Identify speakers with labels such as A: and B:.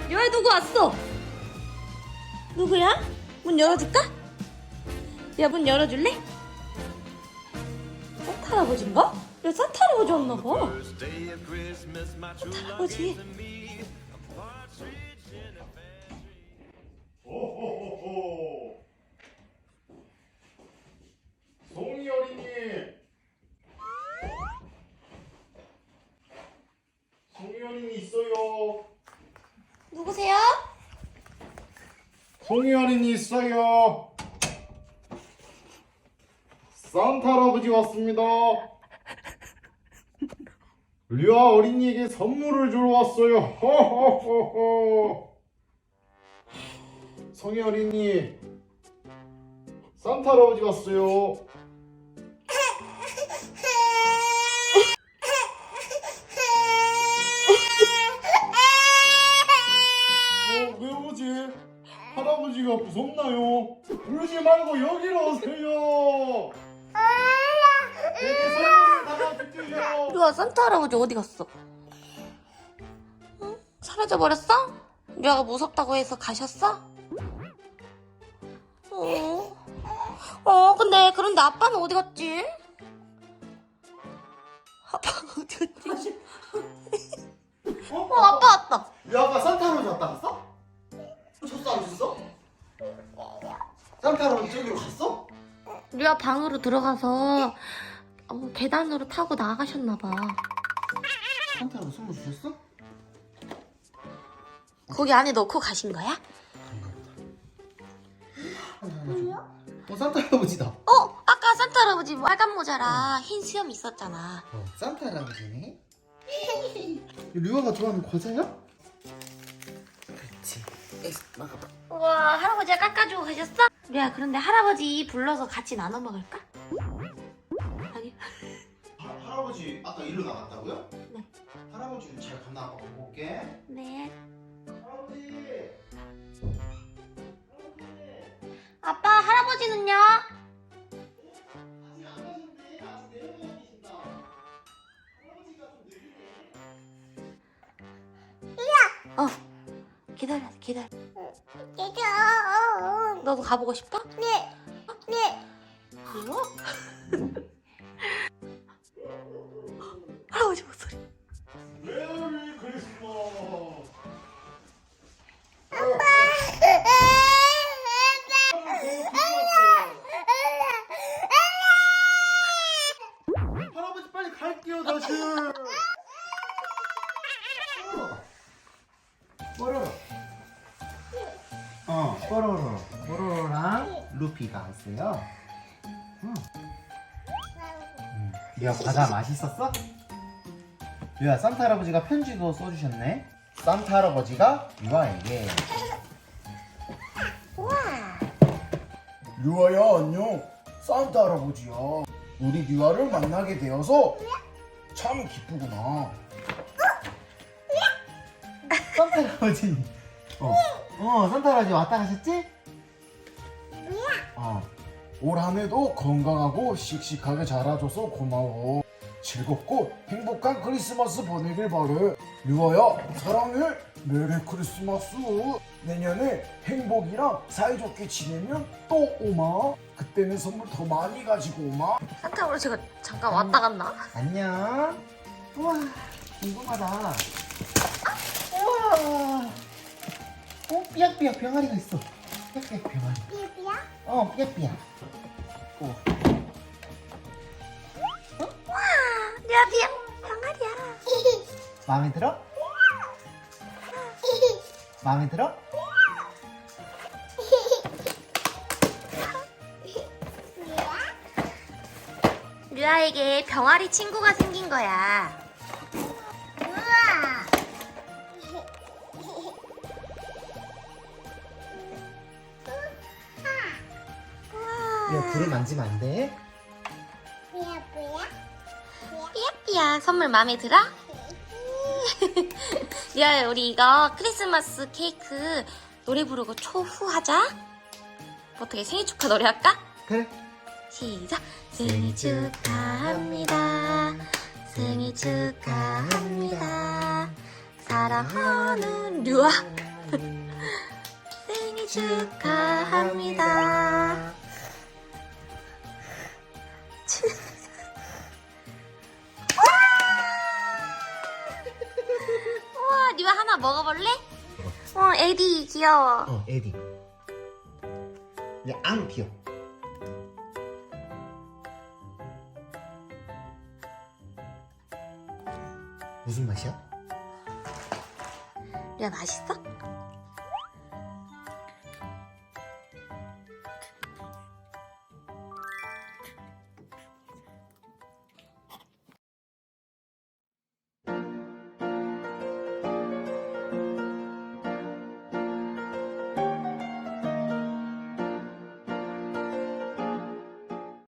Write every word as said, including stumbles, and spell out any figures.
A: 류아 누구 왔어? 누구야? 문 열어줄까? 야, 문 열어줄래? 산타 할아버지인가? 야, 산타 할아버지 왔나봐. 산타 할아버지.
B: 오호호호. 송이 어린이. 송이 어린이 있어요.
A: 누구세요?
B: 송이 어린이 있어요. 산타 할아버지 왔습니다. 류아 어린이에게 선물을 주러 왔어요. 호호호호. 송이 어린이, 산타 할아버지 왔어요. 어, 왜 오지? 할아버지가 무섭나요? 울지 말고 여기로 오세요. 내게 선물을 담아줄게요.
A: 류아, 산타 할아버지 어디 갔어? 응? 사라져버렸어? 류아가 무섭다고 해서 가셨어? 어. 어, 근데 그런데 아빠는 어디 갔지? 아빠 어디 갔지?
B: 어?
A: 어, 아빠 왔다.
B: 야, 아까 산타 할아버지 왔다 갔어? 줬어 안 줬어? 산타 할아버지 저기로 갔어?
A: 류아 방으로 들어가서 어, 계단으로 타고 나가셨나봐.
B: 산타 할아버지 선물 주셨어?
A: 거기 안에 넣고 가신 거야?
B: 어, 산타 할아버지다.
A: 어, 아까 산타 할아버지 빨간 모자랑 흰 수염 있었잖아.
B: 어, 산타 할아버지네. 류아가 좋아하는 과자야? 그렇지. 에이스, 막아봐.
A: 우와, 할아버지가 깎아주고 가셨어? 류아, 그런데 할아버지 불러서 같이 나눠 먹을까? 아니.
B: 하, 할아버지 아까 일로 나갔다고요?
A: 네.
B: 할아버지 잘 갔나 아빠 보고 올게.
A: 네.
B: 할아버지.
A: 아빠, 할아버지는요?
B: 아직 안 가셨네. 아직 내려가 계신다. 할아버지가 좀 느리네.
A: 어. 기다려, 기다려. 너도 가보고 싶어? 네. 네. 뭐? 할아버지 목소리.
B: 메리 크리스마스. 할아버지 빨리 갈게요 다시. 뽀로로. 어, 뽀로로. 뽀로로랑 루피가 왔어요. 응. 응. 류아 과자 맛있었어? 류아 산타 할아버지가 편지도 써주셨네. 산타 할아버지가 류아에게. 류아야 안녕. 산타 할아버지야. 우리 류아를 만나게 되어서 참 기쁘구나. 산타 할아버지. 어, 어 산타 할아버지 왔다 가셨지? 어. 올 한해도 건강하고 씩씩하게 자라줘서 고마워. 즐겁고 행복한 크리스마스 보내길 바래. 류아야 사랑해. 메리 크리스마스. 내년에 행복이랑 사이좋게 지내면 또 오마. 그때는 선물 더 많이 가지고 오마.
A: 산타 할아버지가 잠깐 왔다 갔나?
B: 안녕. 우와 궁금하다. 우와. 어 삐약삐약 병아리가 있어. 삐약삐약 병아리.
C: 삐삐야?
B: 어 삐약삐약. 오.
A: 류아, 비야, 병아리야.
B: 마음에 들어? 마음에 들어?
A: 류아에게 병아리 친구가 생긴 거야.
C: 우와.
B: 야 불을 만지면 안 돼.
C: 삐야 삐야?
A: 삐약삐약 선물 마음에 들어? 류아, 우리 이거 크리스마스 케이크 노래 부르고 초후하자. 어떻게 생일 축하 노래 할까?
B: 그래.
A: 시작. 생일 축하합니다. 생일 축하합니다. 사랑하는 류아 생일 축하합니다. 우와, 니가 하나 먹어볼래? 어, 에디 귀여워.
D: 어, 에디. 야, 안 귀여워. 무슨 맛이야?
A: 리아 맛있어?